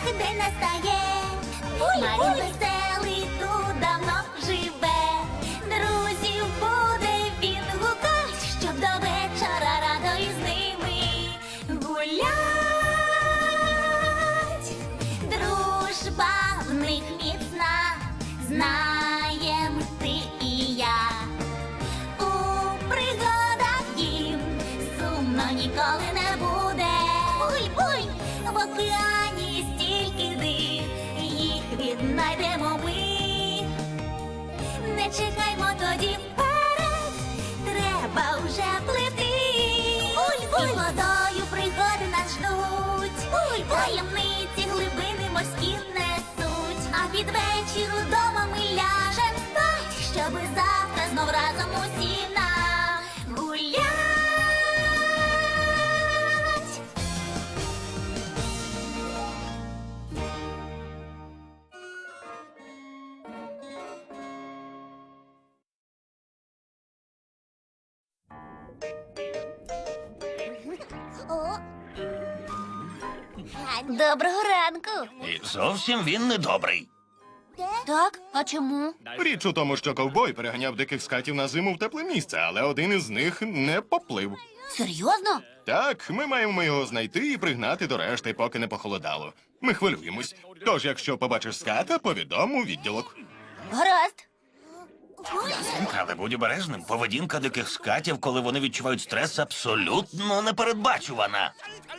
день настає. Марін веселий тут давно живе. Друзів буде він гукать, щоб до вечора радо із ними гулять. Дружба в них міцна, знаєм ти і я. У пригадах їм сумно ніколи не буде. Буй-буй! В океані стільки див, їх віднайдемо ми. Не чекаймо тоді вперед, треба вже плити. Буй-буй! І водою пригоди нас ждуть. Буй-буй! Таємниці глибини морські несуть. А під вечір удома ми ляжем спать, щоби завтра знов разом усі нагулять. Доброго ранку. І зовсім він не добрий. Так? А чому? Річ у тому, що ковбой переганяв диких скатів на зиму в тепле місце, але один із них не поплив. Серйозно? Так, ми маємо його знайти і пригнати до решти, поки не похолодало. Ми хвилюємось. Тож, якщо побачиш ската, повідом у відділок. Гаразд. Але будь обережним, поведінка диких скатів, коли вони відчувають стрес, абсолютно непередбачувана.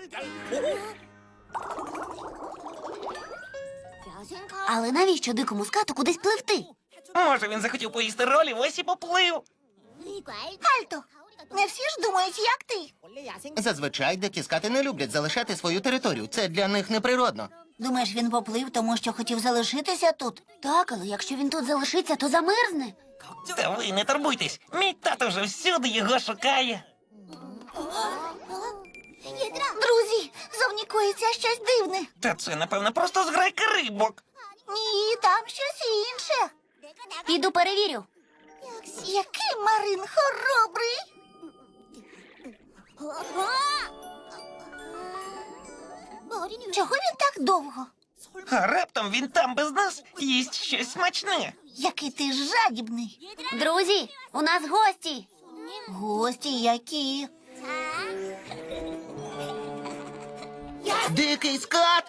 Але навіщо дикому скату кудись пливти? Може, він захотів поїсти ролі, ось і поплив. Альто, не всі ж думають, як ти. Зазвичай дикі скати не люблять залишати свою територію. Це для них неприродно. Думаєш, він поплив, тому що хотів залишитися тут? Так, але якщо він тут залишиться, то замерзне. Та ви не турбуйтесь, мій тато вже всюди його шукає. Друзі, зовні коїться щось дивне. Та це, напевно, просто зграйка рибок. Ні, там щось інше. Піду перевірю. Який Марин хоробрий. Чого він так довго? А раптом він там без нас їсть щось смачне. Який ти жадібний. Друзі, у нас гості. Гості які? Дикий скат!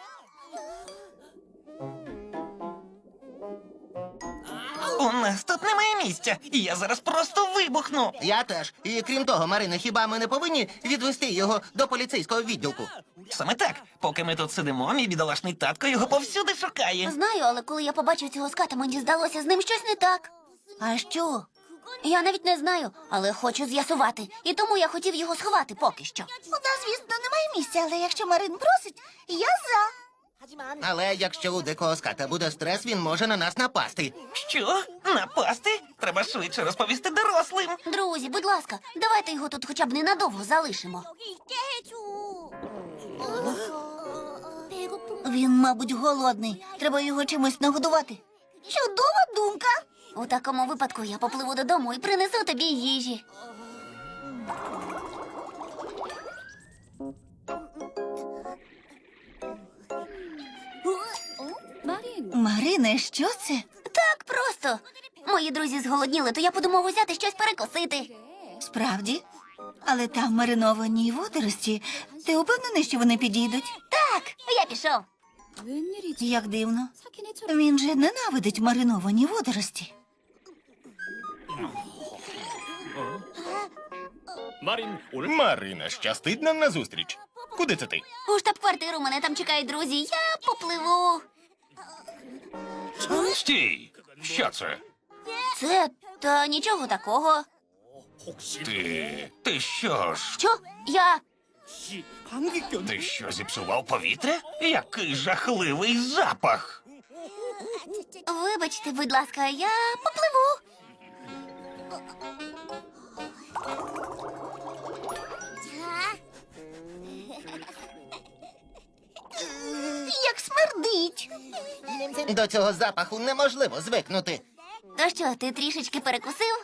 У нас тут немає місця, і я зараз просто вибухну. Я теж. І крім того, Марина, хіба ми не повинні відвести його до поліцейського відділку? Саме так, поки ми тут сидимо, мій бідолашний татко його повсюди шукає. Знаю, але коли я побачив цього ската, мені здалося, з ним щось не так. А що? Я навіть не знаю, але хочу з'ясувати. І тому я хотів його сховати поки що. У нас, звісно, немає місця, але якщо Марин просить, я за. Але якщо у дикого ската буде стрес, він може на нас напасти. Що? Напасти? Треба швидше розповісти дорослим. Друзі, будь ласка, давайте його тут хоча б ненадовго залишимо. Він, мабуть, голодний. Треба його чимось нагодувати. Чудова думка. У такому випадку я попливу додому і принесу тобі їжі. Марине, що це? Так просто. Мої друзі зголодніли, то я подумав узяти щось перекусити. Справді? Але там мариновані водорості. Ти упевнений, що вони підійдуть? Так, я пішов. Як дивно. Він же ненавидить мариновані водорості. Марина, щастить нам назустріч. Куди це ти? У штаб-квартиру мене там чекають друзі. Я попливу. Стій! Що це? Це та нічого такого. Ти що ж? Що? Я. Ти що, зіпсував повітря? Який жахливий запах! Вибачте, будь ласка, я попливу. Як смердить. До цього запаху неможливо звикнути. То що, ти трішечки перекусив?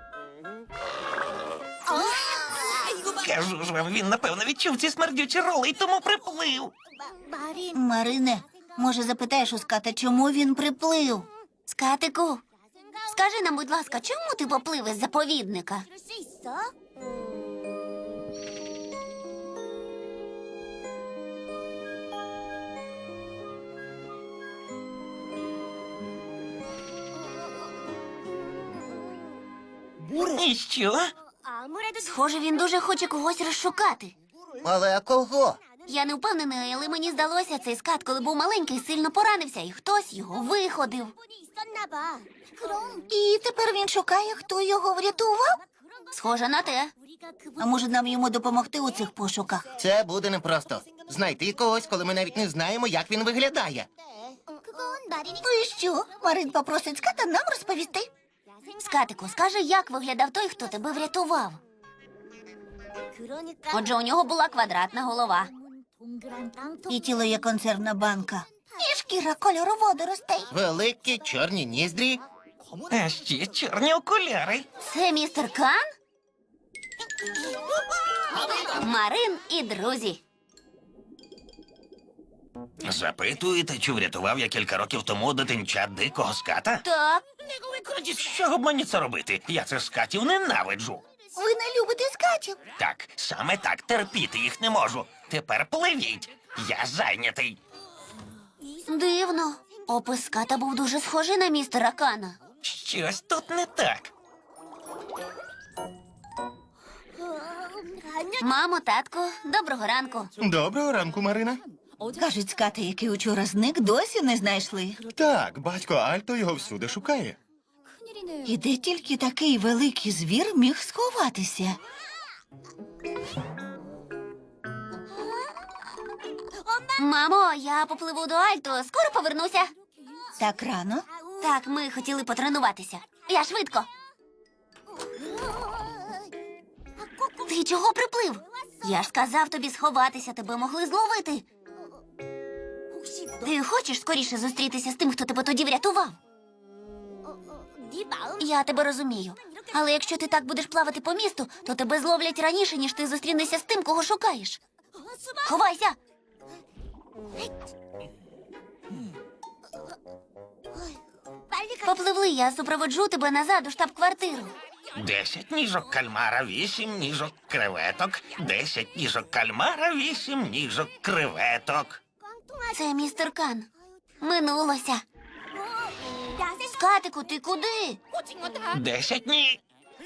Кажу ж вам, він, напевно, відчув ці смердючі роли і тому приплив. Марине, Може, запитаєш у ската, чому він приплив? Скатику, скажи нам, будь ласка, чому ти поплив із заповідника? І що? Схоже, він дуже хоче когось розшукати. Але кого? Я не впевнена, але мені здалося, цей скат, коли був маленький, сильно поранився, і хтось його виходив. І тепер він шукає, хто його врятував? Схоже на те. А може нам йому допомогти у цих пошуках? Це буде непросто. Знайти когось, коли ми навіть не знаємо, як він виглядає. Ну і що? Марин попросить ската нам розповісти. Скатику, скажи, як виглядав той, хто тебе врятував? Отже, у нього була квадратна голова. І тіло є консервна банка. І шкіра кольору водоростей. Великі чорні ніздрі. А ще чорні окуляри. Це містер Кан? Марин і друзі. Запитуєте, чи врятував я кілька років тому дитинча дикого ската? Так, Що б мені це робити? Я цих скатів ненавиджу. ви не любите скатів. Так, саме так, терпіти їх не можу. Тепер пливіть. Я зайнятий. Дивно. Опис ската був дуже схожий на містера Кана. Щось тут не так. Мамо, татку, доброго ранку. Доброго ранку, Марина. Кажуть, ската, який учора зник, досі не знайшли. Так, батько Альто його всюди шукає. І де тільки такий великий звір міг сховатися? Мамо, я попливу до Альто, скоро повернуся. Так рано? Так, ми хотіли потренуватися. Я швидко. Ти чого приплив? Я ж сказав тобі сховатися, тебе могли зловити. Ти хочеш скоріше зустрітися з тим, хто тебе тоді врятував? Я тебе розумію. Але якщо ти так будеш плавати по місту, то тебе зловлять раніше, ніж ти зустрінешся з тим, кого шукаєш. Ховайся! Попливли, я супроводжу тебе назад у штаб-квартиру. 10 ніжок кальмара, 8 ніжок креветок. 10 ніжок кальмара, 8 ніжок креветок. Це містер Кан. Минулося. Скатику, ти куди? 10 ні.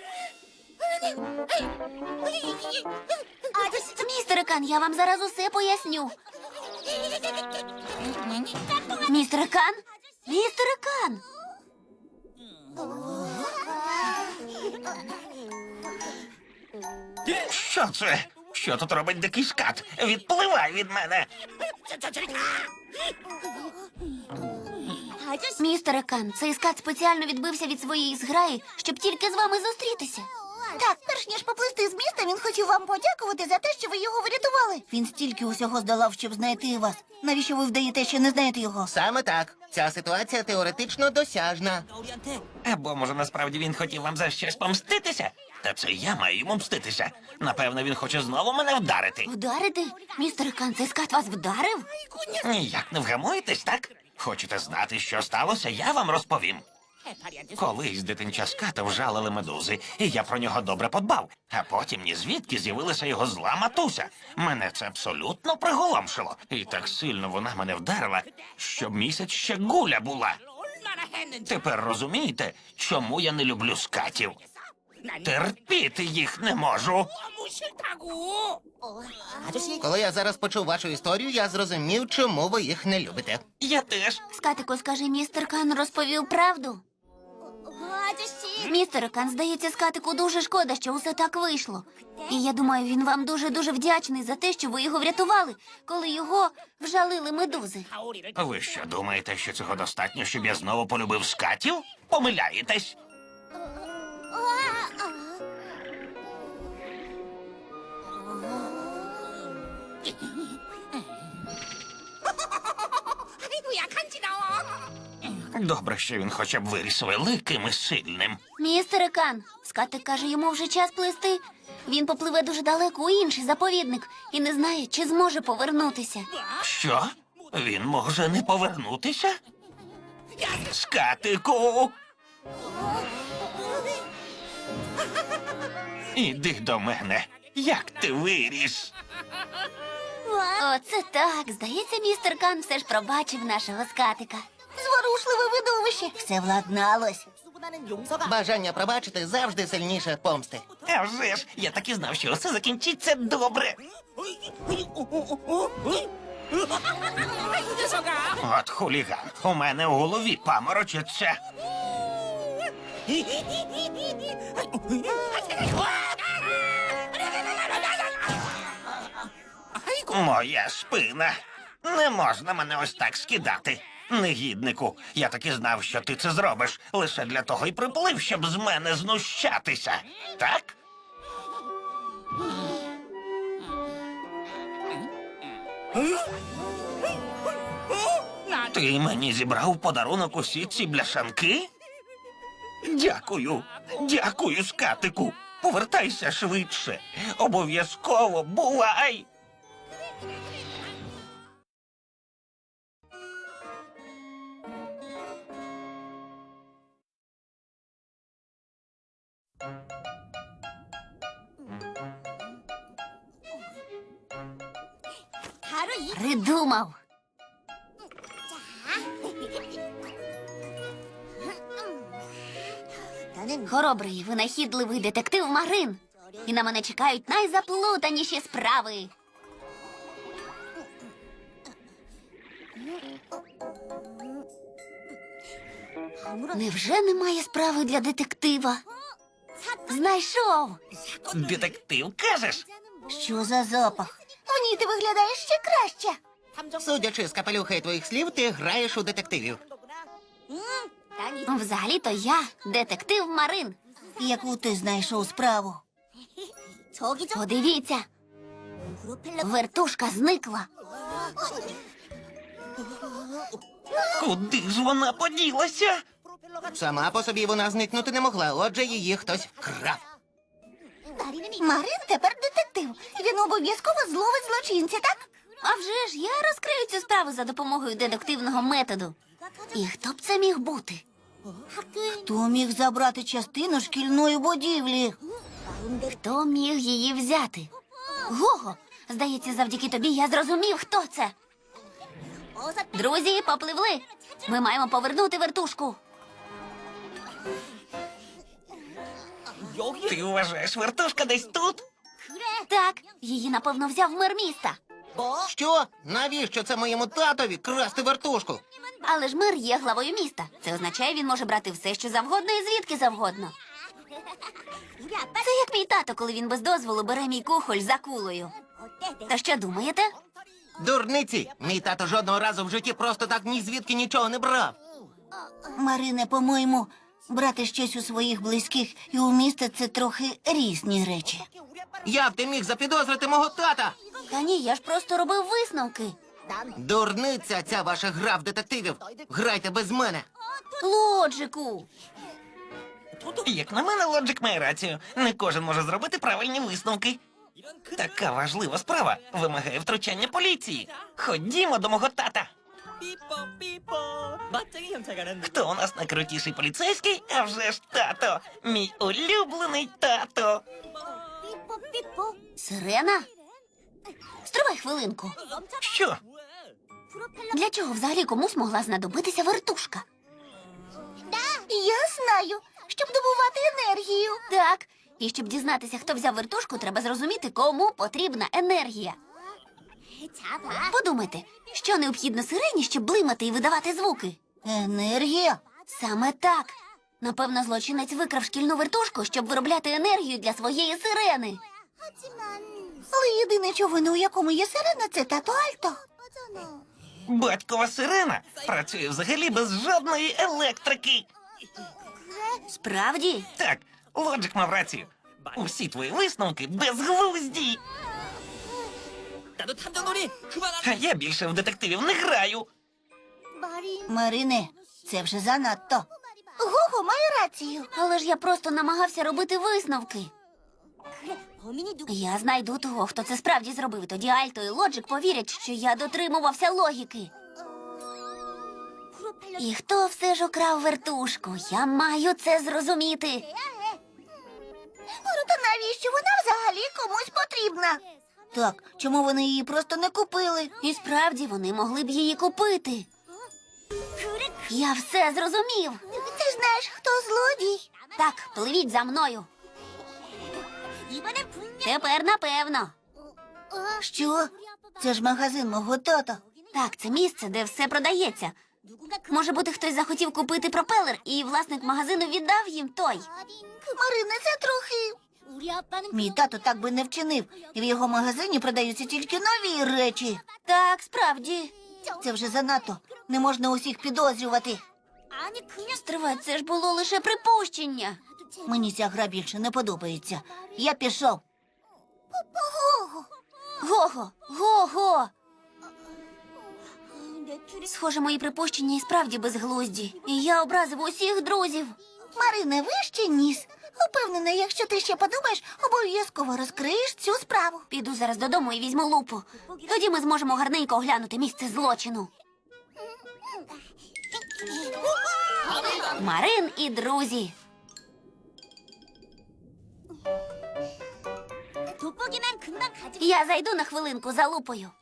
Містер Кан, я вам зараз усе поясню. Містер Кан? Містер Кан! Що це? Що тут робить дикий скат? Відпливай від мене. Містере Кан, цей скат спеціально відбився від своєї зграї, щоб тільки з вами зустрітися. Так, перш ніж поплисти з міста, він хотів вам подякувати за те, що ви його врятували. Він стільки усього здолав, щоб знайти вас. Навіщо ви вдаєте, що не знаєте його? Саме так. Ця ситуація теоретично досяжна. Або, може, насправді він хотів вам за щось помститися? Та це я маю йому мститися. Напевно, він хоче знову мене вдарити. Вдарити? Містер Кан, цей скат вас вдарив? Ніяк не вгамуєтесь, так? Хочете знати, що сталося? Я вам розповім. Колись дитинча ската вжалили медузи, і я про нього добре подбав. А потім ні звідки з'явилася його зла матуся. Мене це абсолютно приголомшило. І так сильно вона мене вдарила, що місяць ще гуля була. Тепер розумієте, чому я не люблю скатів? Терпіти їх не можу. Коли я зараз почув вашу історію, я зрозумів, чому ви їх не любите. Я теж. Скатику, скажи, містер Кан розповів правду? Містер Кан, здається, скатику дуже шкода, що усе так вийшло. І я думаю, він вам дуже-дуже вдячний за те, що ви його врятували, коли його вжалили медузи. Ви що, думаєте, що цього достатньо, щоб я знову полюбив скатів? Помиляєтесь. Добре, що він хоча б виріс великим і сильним. Містере Кан, скатик каже, йому вже час плисти. Він попливе дуже далеко у інший заповідник і не знає, чи зможе повернутися. Що? Він може не повернутися? Скатику! Іди до мене. Як ти виріс? Оце так. Здається, містер Кан все ж пробачив нашого скатика. Зворушливе видовище. Все владналось. Бажання пробачити завжди сильніше помсти. А вже ж, я так і знав, що все закінчиться добре. От хуліган, у мене у голові паморочиться. Моя спина. Не можна мене ось так скидати. Негіднику, я так і знав, що ти це зробиш. Лише для того й приплив, щоб з мене знущатися. Так? Ти мені зібрав подарунок усі ці бляшанки? Дякую. Дякую, скатику. Повертайся швидше. Обов'язково бувай. Придумав. Хоробрий, винахідливий детектив Марин. І на мене чекають найзаплутаніші справи. Невже немає справи для детектива? Знайшов. Детектив, кажеш? Що за запах? В ній ти виглядаєш ще краще. Судячи з капелюха і твоїх слів, ти граєш у детективів. Взагалі-то я детектив Марин. Яку ти знайшов справу? Подивіться. Вертушка зникла. Куди ж вона поділася? Сама по собі вона зникнути не могла, отже її хтось вкрав. Марин тепер детектив. Він обов'язково зловить злочинця, так? А вже ж я розкрию цю справу за допомогою дедуктивного методу. І хто б це міг бути? Хто міг забрати частину шкільної будівлі? Хто міг її взяти? Гого, здається, завдяки тобі я зрозумів, хто це. Друзі, попливли. Ми маємо повернути вертушку. Ти вважаєш, вертушка десь тут? Так, її, напевно, взяв мер міста. Що? Навіщо це моєму татові красти вертушку? Але ж мер є главою міста. Це означає, він може брати все, що завгодно і звідки завгодно. Це як мій тато, коли він без дозволу бере мій кухоль за кулею. Та що думаєте? Дурниці! Мій тато жодного разу в житті просто так ні звідки нічого не брав. Марине, по-моєму, брати щось у своїх близьких і у міста – це трохи різні речі. Як ти міг запідозрити мого тата? Та ні, я ж просто робив висновки. Дурниця ця ваша гра в детективів. Грайте без мене. Лоджику. Як на мене, Лоджик має рацію. Не кожен може зробити правильні висновки. Така важлива справа вимагає втручання поліції. Ходімо до мого тата. Хто у нас найкрутіший поліцейський? А вже ж тато. Мій улюблений тато. Сирена? Стривай хвилинку. Що? Для чого взагалі комусь могла знадобитися вертушка? Я знаю, щоб добувати енергію. Так, і щоб дізнатися, хто взяв вертушку, треба зрозуміти, кому потрібна енергія. Подумайте, що необхідно сирені, щоб блимати і видавати звуки? Енергія? Саме так. Напевно, злочинець викрав шкільну вертушку, щоб виробляти енергію для своєї сирени. Але єдине, човино, у якому є сирена, це тато Альто. Батькова сирена працює взагалі без жодної електрики. Справді? Так, Лоджик мав рацію. Усі твої висновки безглузді. А я більше в детективів не граю. Марине, це вже занадто. Гого має рацію. Але ж я просто намагався робити висновки. Я знайду того, хто це справді зробив. Тоді Альто і Лоджик повірять, що я дотримувався логіки. І хто все ж украв вертушку? Я маю це зрозуміти. Та навіщо вона взагалі комусь потрібна? Так, чому вони її просто не купили? І справді вони могли б її купити. Я все зрозумів. Ти знаєш, хто злодій? Так, пливіть за мною. Тепер напевно. Що? Це ж магазин мого тата. Так, це місце, де все продається. Може бути, хтось захотів купити пропелер, і власник магазину віддав їм той. Марине, це трохи. Мій тато так би не вчинив. І в його магазині продаються тільки нові речі. Так, справді. Це вже занадто. Не можна усіх підозрювати. Стривай, це ж було лише припущення. Мені ця гра більше не подобається. Я пішов. Го-го! Го-го! Схоже, мої припущення і справді безглузді. І я образив усіх друзів. Марине, вище ніс. Упевнена, якщо ти ще подумаєш, обов'язково розкриєш цю справу. Піду зараз додому і візьму лупу. Тоді ми зможемо гарненько оглянути місце злочину. Марин і друзі. Я зайду на хвилинку за лупою.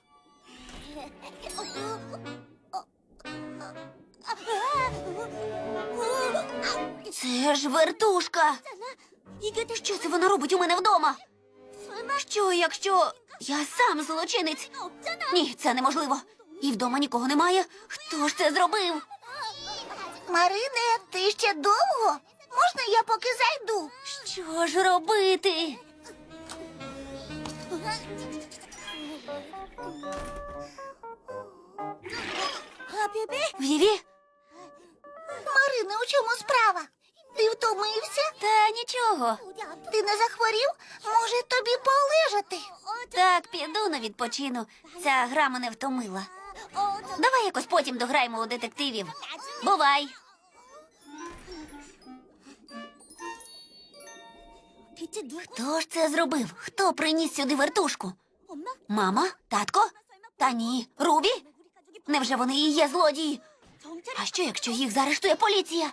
Це ж вертушка. Що це вона робить у мене вдома? Що, якщо я сам злочинець? Ні, це неможливо. І вдома нікого немає. Хто ж це зробив? Марине, ти ще довго? Можна я поки зайду? Що ж робити? Віві? Марине, у чому справа? Ти втомився? Та нічого. Ти не захворів? Може, тобі полежати? Так, піду на відпочину. Ця гра мене втомила. Давай якось потім дограємо у детективів. Бувай. Хто ж це зробив? Хто приніс сюди вертушку? Мама? Татко? Та ні. Рубі? Невже вони і є злодії? А що, якщо їх заарештує поліція?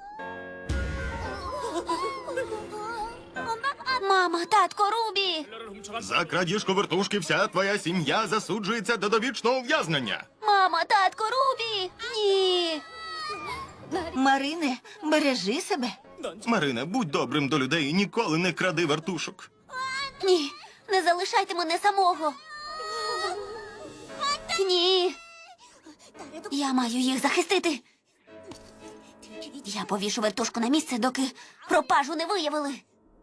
Мама, татко, Рубі! За крадіжку вертушки вся твоя сім'я засуджується до довічного ув'язнення. Мама, татко, Рубі! Ні! Марине, бережи себе. Марине, будь добрим до людей і ніколи не кради вертушок. Ні, не залишайте мене самого. Ні. Я маю їх захистити. Я повішу вертушку на місце, доки пропажу не виявили.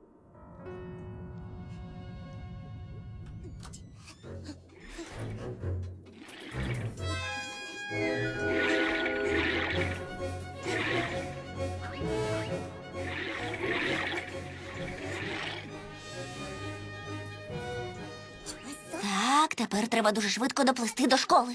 Так, тепер треба дуже швидко доплисти до школи.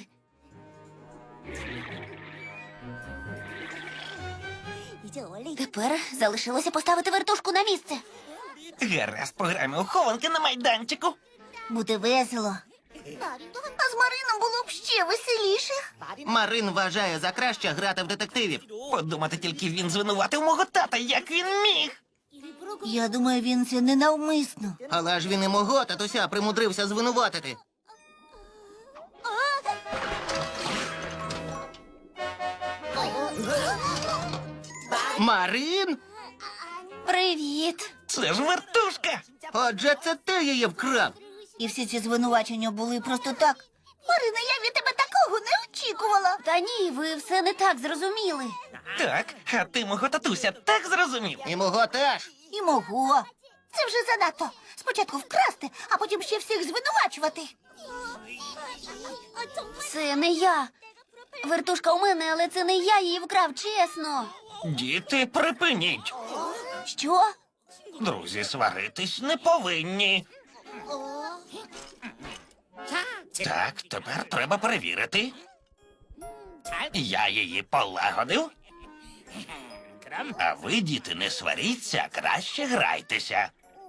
Тепер залишилося поставити вертушку на місце. Гаразд, пограємо у хованки на майданчику. Буде весело. А з Марином було б ще веселіше. Марин вважає за краще грати в детективів. Подумати тільки, він звинуватив мого тата, як він міг. Я думаю, він це ненавмисно. Але ж він і мого татуся примудрився звинуватити. Марин? Привіт. Це ж вертушка. Отже, це ти її вкрав. І всі ці звинувачення були просто так. Марина, я від тебе такого не очікувала. Та ні, ви все не так зрозуміли. Так, а ти мого татуся так зрозумів. І мого теж. І мого. Це вже занадто. Спочатку вкрасти, а потім ще всіх звинувачувати. Це не я. Вертушка у мене, але це не я її вкрав, чесно. Діти, припиніть. Що? Друзі, сваритись не повинні. Так, тепер треба перевірити. Я її полагодив. А ви, діти, не сваріться, краще грайтеся.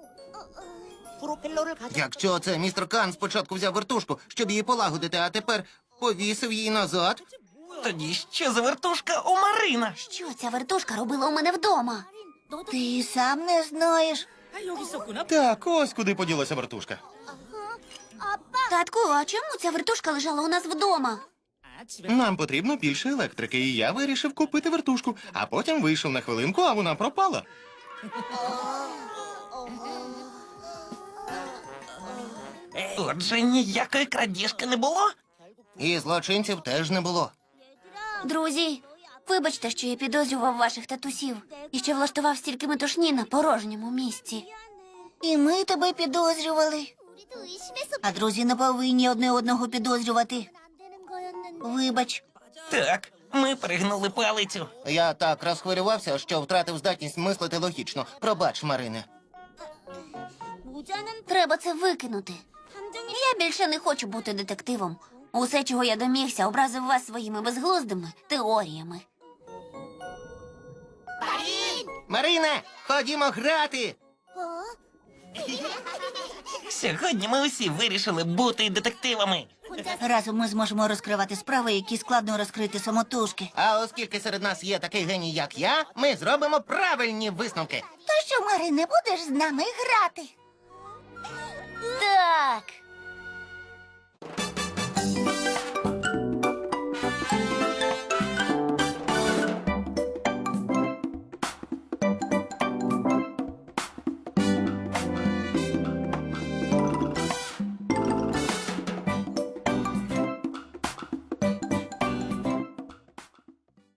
Якщо це містер Кан спочатку взяв вертушку, щоб її полагодити, а тепер повісив її назад. Тоді що за вертушка у Марина? Що ця вертушка робила у мене вдома? Ти сам не знаєш. Так, ось куди поділася вертушка. Татку, а чому ця вертушка лежала у нас вдома? Нам потрібно більше електрики, і я вирішив купити вертушку, а потім вийшов на хвилинку, а вона пропала. Отже, ніякої крадіжки не було? І злочинців теж не було. Друзі, вибачте, що я підозрював ваших татусів і що влаштував стільки метушні на порожньому місці. І ми тебе підозрювали. А друзі не повинні одне одного підозрювати. Вибач. Так, ми перегнули палицю. Я так розхвилювався, що втратив здатність мислити логічно. Пробач, Марине. Треба це викинути. Я більше не хочу бути детективом. Усе, чого я домігся, образив вас своїми безглуздими теоріями. Марине, ходімо грати! Сьогодні ми усі вирішили бути детективами. Разом ми зможемо розкривати справи, які складно розкрити самотужки. А оскільки серед нас є такий геній, як я, ми зробимо правильні висновки. То що, Мари, не будеш з нами грати? Так.